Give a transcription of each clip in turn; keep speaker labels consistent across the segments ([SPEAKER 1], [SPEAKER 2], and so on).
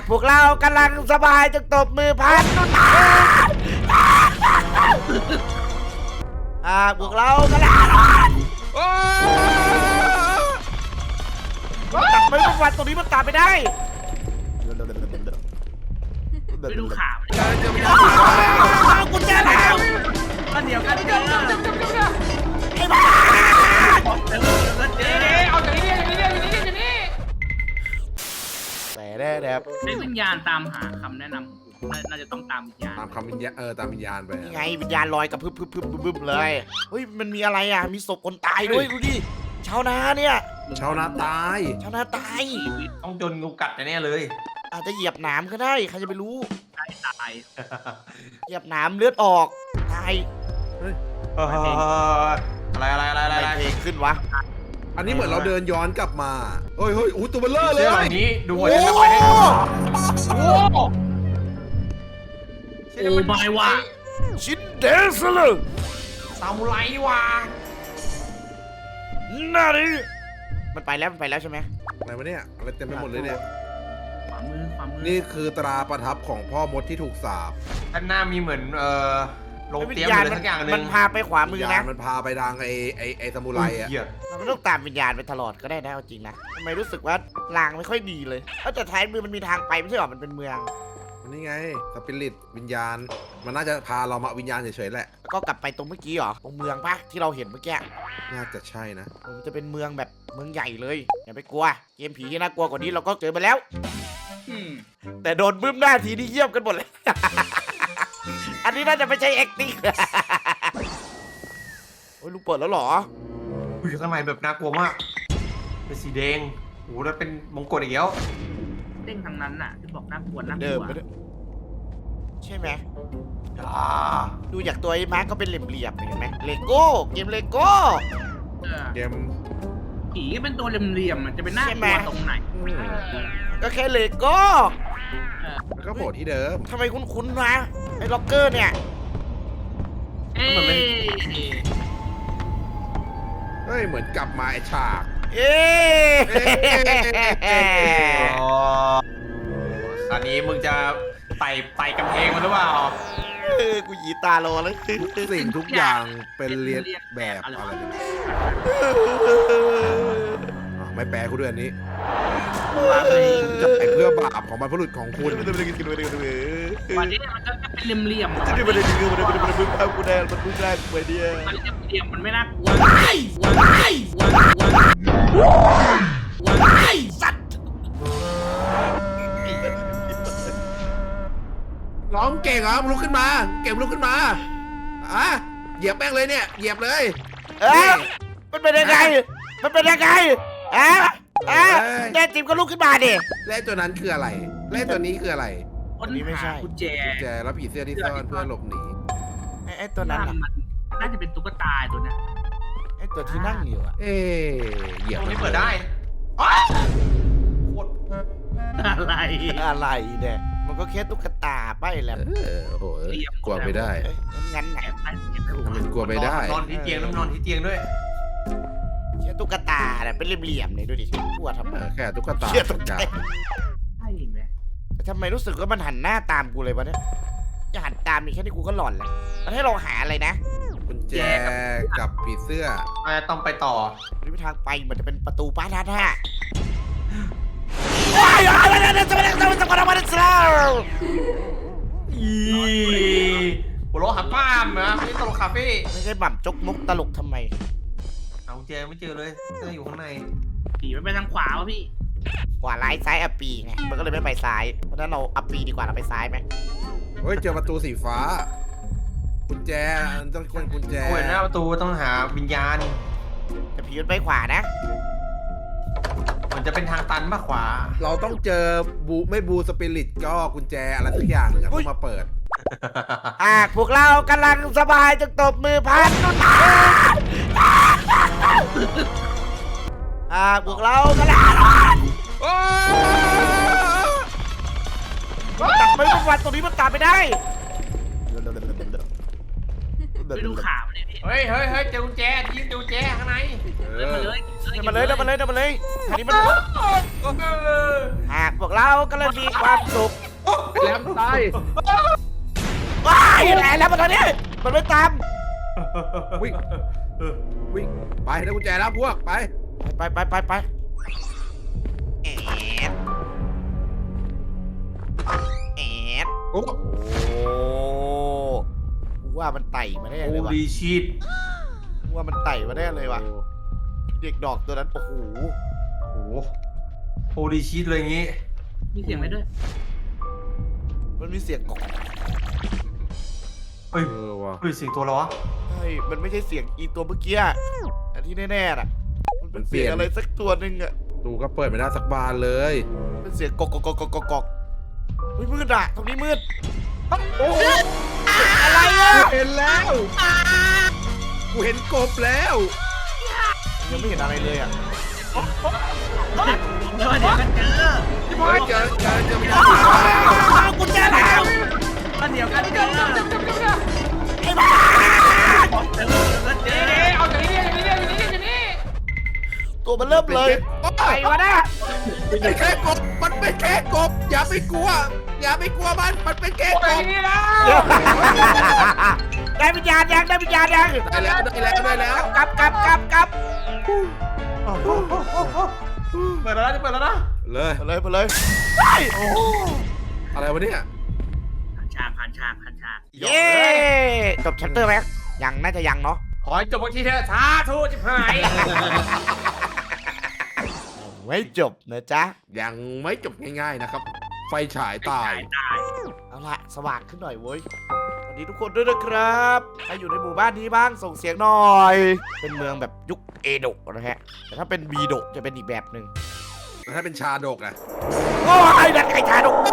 [SPEAKER 1] พวกเรากำลังสบายจงตบมือพันพวกเรากำลังตัดไม่ทุกวันตรงนี้มันตัดไม่ได้
[SPEAKER 2] ไปดูข่าว
[SPEAKER 1] กุญแจแล้ว
[SPEAKER 2] ก็เดี๋ยวกันเดี๋ยว
[SPEAKER 1] ไอ้บ้า
[SPEAKER 2] เอาจากนี้อย่างนี้
[SPEAKER 1] แต่ได้แบบ
[SPEAKER 2] ให้วิญญาณตามหาคำแนะนำน่าจะต้องตามวิญญาณ
[SPEAKER 3] ตามคำวิญญาณตามวิญญาณไป
[SPEAKER 1] ไงวิญญาณลอยกับพึบเลยเฮ้ยมันมีอะไรอ่ะมีศพคนตายด้วยดูดิชาวนาเนี่ย
[SPEAKER 3] ชาวนาตาย
[SPEAKER 1] ชาวนาตาย
[SPEAKER 4] ต้องโดนงูกัดแน่เลย
[SPEAKER 1] อาจจะเหยียบหนามก็ได้ใครจะไปรู้
[SPEAKER 2] ตาย
[SPEAKER 1] เหยียบหนามเลือดออกตาย
[SPEAKER 4] อะไร
[SPEAKER 1] เพลงขึ้นวะ
[SPEAKER 3] อันนี้เหมือนเราเดินย้อนกลับมาเฮ้ยอู้ตัวเบลเลอร์เล
[SPEAKER 4] เสื้
[SPEAKER 3] ย
[SPEAKER 4] อแบบนี้ดูว่าจะไปได้โอ้
[SPEAKER 2] บายว่ะ
[SPEAKER 1] ชินเดสเลย
[SPEAKER 4] ซามูไรว่ะ
[SPEAKER 1] น่าดิมันไปแล้วใช่ไหม
[SPEAKER 3] อะไรวะเนี่ยอะไรเต็มไปหมดเลยเนี่ย
[SPEAKER 2] ขวามือ
[SPEAKER 3] นี่คือตราประทับของพ่อมดที่ถูกสาป
[SPEAKER 4] ด้านหน้ามีเหมือนลง
[SPEAKER 1] วิ
[SPEAKER 4] เตรีย
[SPEAKER 1] ญ
[SPEAKER 4] ม
[SPEAKER 1] ญาณ
[SPEAKER 4] อะไรสักอย่างนึง
[SPEAKER 1] มันพาไปขวามือ
[SPEAKER 3] วิญ
[SPEAKER 1] นะ
[SPEAKER 3] ญาณมันพาไปทางไอ้ซามูไรอ่ะ
[SPEAKER 1] เราไม่ต้องตามวิญญาณไปตลอดก็ได้นะเอาจริงนะทำไมรู้สึกว่าลางไม่ค่อยดีเลยแต่ท้ายมือมันมีทางไปไม่ใช่หรอมันเป็นเมือง
[SPEAKER 3] นี่ไงสปิริตวิญญาณมันน่าจะพาเรามาวิญญาณเฉยๆแหละ
[SPEAKER 1] แล้วก็กลับไปตรงเมื่อกี้เหรอตรงเมืองปะที่เราเห็นเมื่อกี้
[SPEAKER 3] น่าจะใช่นะ
[SPEAKER 1] มันจะเป็นเมืองแบบเมืองใหญ่เลยอย่าไปกลัวเกมผีที่น่ากลัวกว่านี้เราก็เจอมาแล้ว แต่โดนบึ้มหน้าทีนี่เยี่ยมกันหมดเลย อันนี้น่าจะไม่ใช่ acting โอ้ยลูกเปิดแล้วเหรอ
[SPEAKER 4] อยู่ข้างในแบบน่ากลัวมากเป็นสีแดงโอ้แล้วเป็นมงกุฎอีกแล้ว
[SPEAKER 2] เด้งทางนั้นน่ะที่บอกน่ากลัว
[SPEAKER 1] เดิมไปด้วยใช่ไหมดูจากตัวไอ้มาร์กก็เป็นเหลี่ยมๆเห็นไหมเลโก้เกมเลโก้
[SPEAKER 3] เกม
[SPEAKER 2] ผีเป็นตัวเหลี่ยมๆมันจะเป็นน่ากลัวตรงไหน
[SPEAKER 1] ก็แค่เลโก้
[SPEAKER 3] แล้วก็โผล่ที่เดิม
[SPEAKER 1] ทำไมคุ้นๆนะไอ้ล็อกเกอร์เนี่ย
[SPEAKER 2] เอ้ย
[SPEAKER 3] เฮ้ยเหมือนกลับมาไอ้ฉาก
[SPEAKER 1] เอ๊ะ
[SPEAKER 4] ตอนนี้มึงจะไต่กำแพงมันหรือเปล่า
[SPEAKER 1] กูหยีตาโลแล้ว
[SPEAKER 3] สิ่งทุกอย่างเป็นเรียนแบบอะไรเนี่ยไม่แปลกูด้วยอันนี้จะไปเพื่อบาปของบรรพบุรุษของคุณ
[SPEAKER 2] วันนี้มันก็เป็นเหลี่ยมๆ
[SPEAKER 1] จะได้มาได้ดีมันพึ่งพากูได้มันพึ่งได้กูไปเนี่ย
[SPEAKER 2] มันเหลี่ยมมันไม่น่ากลัว
[SPEAKER 1] สัตว์
[SPEAKER 3] ร้องเก่งเหรอลุกขึ้นมาเก่งลุกขึ้นมาเหยียบแป้งเลยเนี่ยเหยียบเลย
[SPEAKER 1] มันเป็นยังไงมันเป็นยังไงแน่จริงก็ลุกขึ้นมาดิ
[SPEAKER 3] และตัวนั้นคืออะไรและตัวนี้คืออะไร
[SPEAKER 2] คนนี้ไม่ใช่กุญแจ
[SPEAKER 3] แจแล้วผีเสื้อที่ซ่อนเพื่อหลบหนี
[SPEAKER 1] ไอ้ตัวนั้น
[SPEAKER 2] น่าจะเป็นตุ๊กตาตัวนี้
[SPEAKER 1] ไอ้ตัวที่นั่งอยู่อะ
[SPEAKER 3] เหยียบ
[SPEAKER 4] ตรงนี้เปิดได้โคตร
[SPEAKER 2] อะไร
[SPEAKER 1] อะไรเนี่ยมันก็แค่ตุ๊กตาไปแหละ
[SPEAKER 3] โอ้โหกลัวไม่ได้
[SPEAKER 1] งั้นไหน
[SPEAKER 3] มันกลัวไม่ได้
[SPEAKER 4] นอนที่เตียงนอนที่เตียงด้วย
[SPEAKER 1] แค่ตุ๊กตาเนี่ยเป็นเหลี่ยมๆเนี่ยดูดิกลัวทำไม
[SPEAKER 3] แค่ตุ๊กตา
[SPEAKER 1] เชี่ยตกใจ
[SPEAKER 2] ใช่ไหม
[SPEAKER 1] แต่ทำไมรู้สึกว่ามันหันหน้าตามกูเลยวะเนี่ยจะหันตามมีแค่นี้กูก็หลอนแล้วมันให้เราหาอะไรนะ
[SPEAKER 3] กุญแจกับผีเสื้อ
[SPEAKER 4] ต้องไปต่อ
[SPEAKER 1] หรือทางไปเหมือนจะเป็นประตูป้าท่าท่าว้ายอะไรเนี่ยจะมาจะมา
[SPEAKER 4] หัวเราะหักป้ามนะไม่ใช่ตลกคาเฟ่
[SPEAKER 1] ไม่ใช่บ่ำจกมุกตลกทำไม
[SPEAKER 4] เอาเจอไม่เจอเลยเจออยู่ข้างใน
[SPEAKER 2] ผีมันไปทางขวาวะพี่
[SPEAKER 1] ขวาร้ายซ้ายอัปปีไงมันก็เลยไม่ไปซ้ายเพราะฉะนั้นเราอัปปีดีกว่าเราไปซ้ายไหม
[SPEAKER 3] เฮ้ยเจอประตูสีฟ้ากุญแจต้องคนกุญแจ
[SPEAKER 4] โอ้ยหน้าประตูต้องหาวิญญาณ
[SPEAKER 1] แต่ผีมันไปขวานะ
[SPEAKER 4] มันจะเป็นทางตันมากขวา
[SPEAKER 3] เราต้องเจอไม่บูสปิริตก็กุญแจอะไรสักอย่างหนึ่งต้องมาเปิด
[SPEAKER 1] พวกเรากำลังสบายจงตบมือพันพวกเรากำลังตัดไม่ทุกวันตรงนี้มันตัดไม่ได้
[SPEAKER 2] ไปดูข่าวเลยพี่
[SPEAKER 4] เฮ้ยเจอกุญแจยิงเจอกุญแจข้างใน
[SPEAKER 3] เอ
[SPEAKER 2] เดิน
[SPEAKER 3] อ
[SPEAKER 2] มาเลย
[SPEAKER 1] เดินมาเลยอันนี้มันหากพวกเรากำลังมีความสุข
[SPEAKER 3] แหลมตาย
[SPEAKER 1] ว้ายแหละแล้วมันตอนนี้มันไม่ตาม
[SPEAKER 3] วิ่งวิ่งไปได้กุญแจแล้วพวกไป
[SPEAKER 1] ไปแอดแอด
[SPEAKER 3] โอ้
[SPEAKER 1] โอ้กูว่ามันไต่มาได้
[SPEAKER 4] โอ้
[SPEAKER 1] เลยว่ะ
[SPEAKER 4] ดีชีต
[SPEAKER 1] กูว่ามันไต่มาได้เลยว่ะเด็กดอกตัวนั้นโอ้โห
[SPEAKER 4] โอ้โหดีชีตเลยอย่างงี้
[SPEAKER 2] มีเสียงอะไรด้วย
[SPEAKER 1] มันมีเสียงกอก
[SPEAKER 4] เฮ้ย
[SPEAKER 3] เออว่ะ
[SPEAKER 4] เฮ้ยเสียงตัวอะไรวะ
[SPEAKER 1] เฮ้ยมันไม่ใช่เสียงอีตัวเมื่อกี้อะอันที่แน่ๆน่ะมันเป็นเสียงอะไรสักตัวหนึ่งอะ
[SPEAKER 3] ตูก็เปิดไม่ได้สักบานเลย
[SPEAKER 1] เป็นเสียงกอกเฮ้ยมืดอะตรงนี้มืด
[SPEAKER 3] โอ้
[SPEAKER 1] อะไรอะ
[SPEAKER 3] เห็นแล้วกูเห็นกบแล้ว
[SPEAKER 1] ยังไม่เห็นอะไรเลยอะ
[SPEAKER 2] แล้วเดี๋ยวก็เจอ
[SPEAKER 3] เฮ้ยเจอไม่ได้
[SPEAKER 1] กุญแจแล้ว
[SPEAKER 2] แล้วเดี๋ยวก็เจอ
[SPEAKER 1] ไอ้บ้า
[SPEAKER 2] เดี๋ยวก็เจอ
[SPEAKER 4] เอาอย่างนี้
[SPEAKER 1] ตัวมันเริ่มเลยไอ้วะนะ
[SPEAKER 3] มันเป็นแค่กบมันเป็นแค่กบอย่าไปกลัวมันเป็นแค่กบ
[SPEAKER 1] ได้วิญญาณยัง
[SPEAKER 3] ได้แล้ว
[SPEAKER 1] กลับ
[SPEAKER 4] เปิดแล้วนะจะเปิดแล้วนะ
[SPEAKER 3] เลย
[SPEAKER 1] ไปเลย
[SPEAKER 3] อะไรวะเนี่ย
[SPEAKER 2] ผ่านฉาก
[SPEAKER 1] เย้จบแชปเตอร์ไหมยังน่าจะยังเนาะ
[SPEAKER 4] ขอให้จบบางทีเถอะสาธุจิบหาย
[SPEAKER 1] ไม่จบนะจ๊ะ
[SPEAKER 3] ยังไม่จบง่ายๆนะครับ ไฟฉายตาย
[SPEAKER 1] เอาละสว่างขึ้นหน่อยเว้ยสวัสดีทุกคนด้วยนะครับใครอยู่ในหมู่บ้านนี้บ้างส่งเสียงหน่อย เป็นเมืองแบบยุคเอโดะนะฮะแต่ถ้าเป็นบีโดะจะเป็นอีกแบบหนึ่ง
[SPEAKER 3] แล้วถ้าเป็นชาดกอะ
[SPEAKER 1] โอ้ยดันไก่ชาดก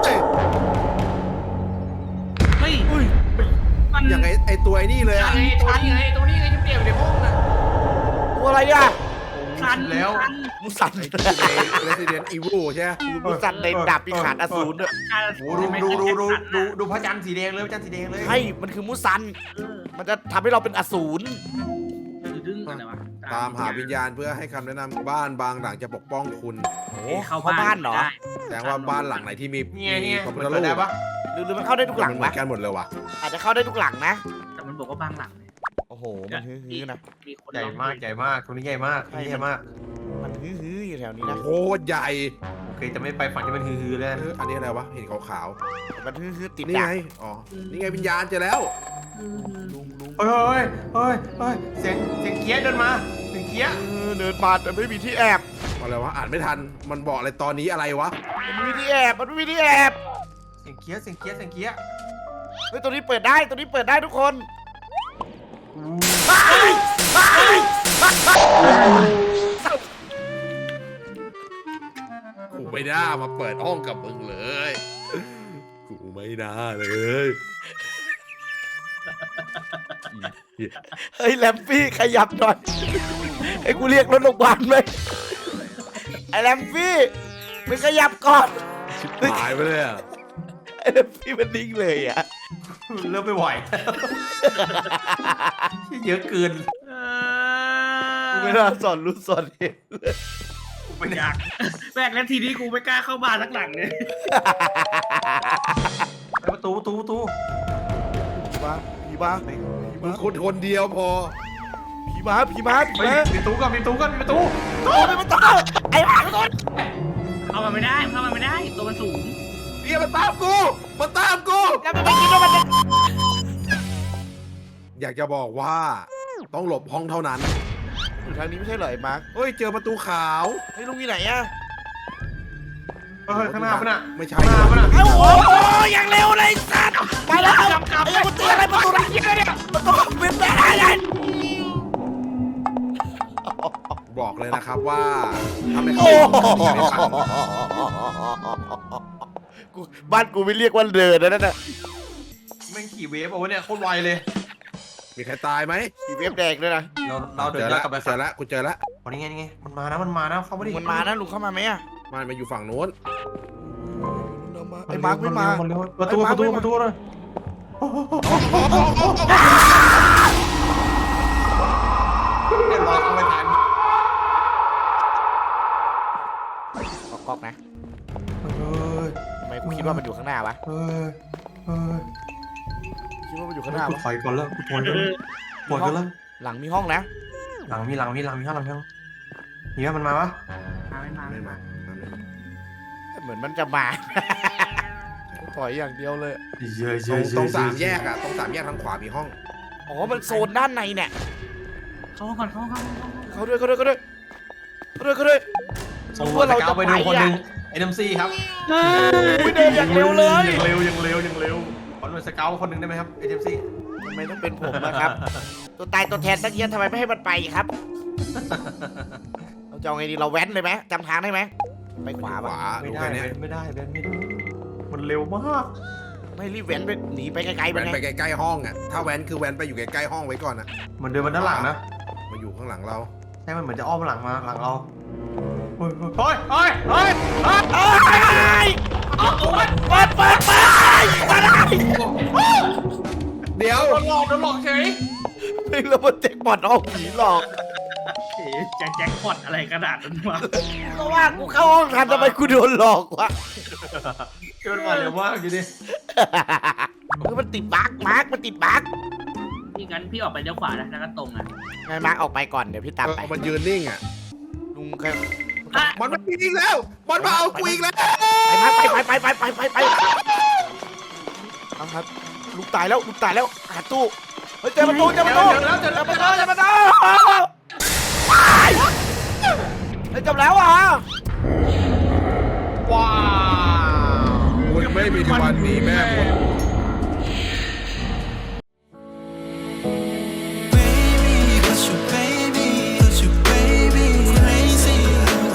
[SPEAKER 2] เฮ้ยมัน
[SPEAKER 3] อย่างไอตัวไอ้นี่เลยอะ
[SPEAKER 4] ตัวนี้ไงที่เปลี่ยนในห้องน่ะ
[SPEAKER 1] ตัวอะไรอ่ะ
[SPEAKER 2] คัน
[SPEAKER 4] แล้ว
[SPEAKER 1] มุสัน
[SPEAKER 3] ไอตัวใน Resident Evil ใช่ไหม
[SPEAKER 1] มุสันในดาบปีขาดอสูรด้วย
[SPEAKER 4] โอ้ดูพระจันทร์สีแดงเลยพระจันทร์สีแดงเลย
[SPEAKER 1] ใช่มันคือมุสัน มันจะทำให้เราเป็นอสูร
[SPEAKER 2] ดึงอะไรวะ
[SPEAKER 3] ตามหาวิญญาณเพื่อให้คำแนะนำบ้านบางหลังจะปกป้องคุณ
[SPEAKER 1] โอ้
[SPEAKER 2] เข้า
[SPEAKER 1] เข้าบ้านเหรอ
[SPEAKER 3] แสดงว่าบ้านหลังไหนที่มี
[SPEAKER 4] เนี่ย
[SPEAKER 3] พระพุท
[SPEAKER 4] เปิ
[SPEAKER 3] ธ
[SPEAKER 4] ด
[SPEAKER 3] รู
[SPEAKER 4] ได้
[SPEAKER 3] ป
[SPEAKER 4] ปะ
[SPEAKER 1] หรือมันเข้าได้ทุกหลัง
[SPEAKER 3] เหมื
[SPEAKER 1] วะ
[SPEAKER 3] อนกันหมดเลยว่ะ
[SPEAKER 1] อาจจะเข้าได้ทุกหลังนะ
[SPEAKER 2] แต่มันบอกว่าบางหลังเนี่ย
[SPEAKER 1] โอ้โห มันฮือๆนะ
[SPEAKER 2] มีคน
[SPEAKER 4] ใหญ่มากตัวนี้ใหญ่มากตัวนี้ใหญ่มาก
[SPEAKER 1] มันฮือๆอยู่แถวนี้นะ
[SPEAKER 3] โคตรใหญ่
[SPEAKER 4] โอเคจะไม่ไปฝั่งที่มันฮือๆแล้ว
[SPEAKER 3] อันนี้อะไรวะ เห็นขาว
[SPEAKER 1] มันฮือๆติด
[SPEAKER 3] ๆนี่
[SPEAKER 1] ดา
[SPEAKER 3] ไง
[SPEAKER 1] บ
[SPEAKER 3] อ๋อ นี่ไงวิญญาณเจอแล้ว
[SPEAKER 1] ลุง
[SPEAKER 4] เฮ้ยเสียงเคี้ยเดินมาเสียงเคี้ย
[SPEAKER 1] เดินมาแต่ไม่มีที่แอบ
[SPEAKER 3] อะไรวะ อ่านไม่ทัน มันบอกอะไรตอนนี้อะไรวะ
[SPEAKER 1] มันไม่มีที่แอบ มันไม่มีที่แอบ
[SPEAKER 4] เสียงเคี้ย
[SPEAKER 1] เฮ้ยตัวนี้เปิดได้ทุกคน
[SPEAKER 3] กูไม่น่ามาเปิดห้องกับมึงเลย กูไม่น่าเลย
[SPEAKER 1] เฮ้ยแลมฟี่ขยับหน่อยให้กูเรียกรถโรงพยาบาลไหมไอ้แลมฟี่มึงขยับก่อน
[SPEAKER 3] หายไปเลยอ่ะ
[SPEAKER 1] ไอ้แลมฟี่มันนิ่งเลยอ่ะ
[SPEAKER 4] เริ่มไม่ไหวเยอะเกิน
[SPEAKER 1] กูไม่น่าสอนรู้สอนเห็นเลย
[SPEAKER 4] ไม่
[SPEAKER 2] อยากแรกแล้วทีนี้กูไม่กล้าเข้าบ้านสักหลังเลย
[SPEAKER 4] ประตู
[SPEAKER 1] ผีมา
[SPEAKER 3] มึงคนเดียวพอ
[SPEAKER 1] ผีมา
[SPEAKER 4] ไปปิดตู้ก่อนปิดตู้
[SPEAKER 1] โอ้ยมันต้องไอ้บ้าทุกคน
[SPEAKER 2] เข้ามาไม่ได้ตัวมันสูง
[SPEAKER 3] เนี่ยมันตามกู
[SPEAKER 1] แล้วมันไม่คิดว่ามันจะ
[SPEAKER 3] อยากจะบอกว่า ต้องหลบห้องเท่านั้น
[SPEAKER 1] อยู่ทางนี้ไม่ใช่เหรอไอ้มาร์ค
[SPEAKER 3] เฮ้ย เจอประตูขาว
[SPEAKER 1] ไอ้ลุงอยู่ไหนอะ
[SPEAKER 4] ข้างหน้าปะน่ะ
[SPEAKER 3] ไม่ใช่
[SPEAKER 4] ข้างหน้าปะน่ะ
[SPEAKER 1] โอ้โหอย่างเร็วเลยสัตว์ไปแล้วไอ้ยังกูตีอะไรประตูเนี่ยประตูเป็นไปได้เลย
[SPEAKER 3] บอกเลยนะครับว่าทำให้
[SPEAKER 1] โอ้
[SPEAKER 3] เขา
[SPEAKER 1] กูบ้านกูไม่เรียกว่าเดินนะนั่นน่ะ
[SPEAKER 4] แม่งขี่เวฟเอาไว้เนี่ยโคตรไวเลย
[SPEAKER 3] มีใครตายไหม
[SPEAKER 1] มีเว็บแดงด้วยนะ
[SPEAKER 4] เราเดิน
[SPEAKER 3] เจอ
[SPEAKER 4] ย้อ
[SPEAKER 3] แล้ว
[SPEAKER 4] นกลับไป
[SPEAKER 3] เจอแล้วกูเจอแล้ว
[SPEAKER 4] วันนี้ไงมันมานะเข้ามาดิ
[SPEAKER 1] มันมานะลุงเข้ามาไหมอะ
[SPEAKER 3] มันมาอยู่ฝั่งโน้น
[SPEAKER 1] ไอ้มาร์คไม่มา
[SPEAKER 4] ประตูเลย
[SPEAKER 1] ก๊อกนะ
[SPEAKER 4] เฮ้ย
[SPEAKER 1] ทำไมกูคิดว่ามันอยู่ข้างหน้าวะ
[SPEAKER 4] เฮ้ยเฮ้ย
[SPEAKER 1] คิดว่ามันอยู่ข้างหน้า
[SPEAKER 4] กู
[SPEAKER 1] วะ
[SPEAKER 4] ถอยก่อนแล้วกูถอยก่อนแล้วปวดกันแล้ว
[SPEAKER 1] หลังมีห้องนะ
[SPEAKER 4] หลังมีห้องมีว่ามันมาวะ
[SPEAKER 2] ไม่มา
[SPEAKER 3] ไม่มา
[SPEAKER 1] เหมือนมันจะมา ถอยอย่างเดียวเลย
[SPEAKER 4] เยอะ
[SPEAKER 3] ตรงสามแยกอะตรงสามแยกทางขวามีห้อง
[SPEAKER 1] อ๋อมันโซนด้านในเนี่ย
[SPEAKER 2] เข้าก่อนเข้า
[SPEAKER 1] เขาด้วย
[SPEAKER 4] ส่งหัวตะเกาไปดูคนหนึ่งNMC ครับ
[SPEAKER 1] ไม่เดินอย่างเร็วเลย
[SPEAKER 4] ยังเร็วขอหน่วยสเกลคนหนึ่งได้ไหมครับ NMC
[SPEAKER 1] ทำไมต้องเป็นผมนะครับ ตัวตายตัวแทนตั้งเยอะทำไมไม่ให้มันไปครับ เราจะเอาไงดีเราแว้นเลยไหมจำทางได้ไหมไปขวา
[SPEAKER 3] ข
[SPEAKER 1] ปะ
[SPEAKER 3] วา
[SPEAKER 4] ไม่ได้
[SPEAKER 3] แค่นี้
[SPEAKER 4] ไม่ได้มันเร็วมาก
[SPEAKER 1] ไม่รีบแว้นไปหนีไปไกลๆ
[SPEAKER 3] แว้
[SPEAKER 1] มัน
[SPEAKER 3] น
[SPEAKER 1] ไง
[SPEAKER 3] ไปใกล้ๆห้องอะถ้าแว้นคือแว้นไปอยู่ใกล้ๆห้องไว้ก่อนอะ
[SPEAKER 4] มันเดินมาด้านหลังนะ
[SPEAKER 3] มาอยู่ข้างหลังเรา
[SPEAKER 4] ใช่มันเหมือนจะอ้อมหลังมาหลังเราเฮ้ย
[SPEAKER 1] เปิดมาได้
[SPEAKER 3] เดี๋ยว
[SPEAKER 4] โดนหลอกเฉย
[SPEAKER 1] ไม่รู้ว่าเจ๊กบอดเอาผีหลอก
[SPEAKER 2] แจ็คพอตอะไรกระดาษนั้นวะ
[SPEAKER 1] ก็ว่ากูเข้าห้องทันทำไมกูโดนหลอกวะ
[SPEAKER 4] เกินมาเร็วมากอยู่ดิ
[SPEAKER 1] คือมันติดบั๊กมาร์กมันติดบั๊ก
[SPEAKER 2] พี่งั้นพี่ออกไปเลี้ยวขวานะแล้วก็ตรงอ่ะ
[SPEAKER 1] ไงมาร์กออกไปก่อนเดี๋ยวพี่ตามไป
[SPEAKER 3] มันยืนนิ่งอะ
[SPEAKER 1] ลุงแค่
[SPEAKER 3] มันมาอีกแล้วมันมาเอากูอีกแล้ว
[SPEAKER 1] ไปมาไปเอาครับลูกตายแล้วหาตู้เฮ้ยเจอประตูเฮ้ยจบแล้วอ่ะ
[SPEAKER 4] ว้าว
[SPEAKER 3] คุณไม่มีวันหนีแม่หมด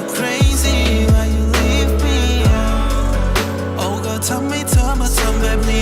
[SPEAKER 5] ทำให้เธอมาทำแบบนี้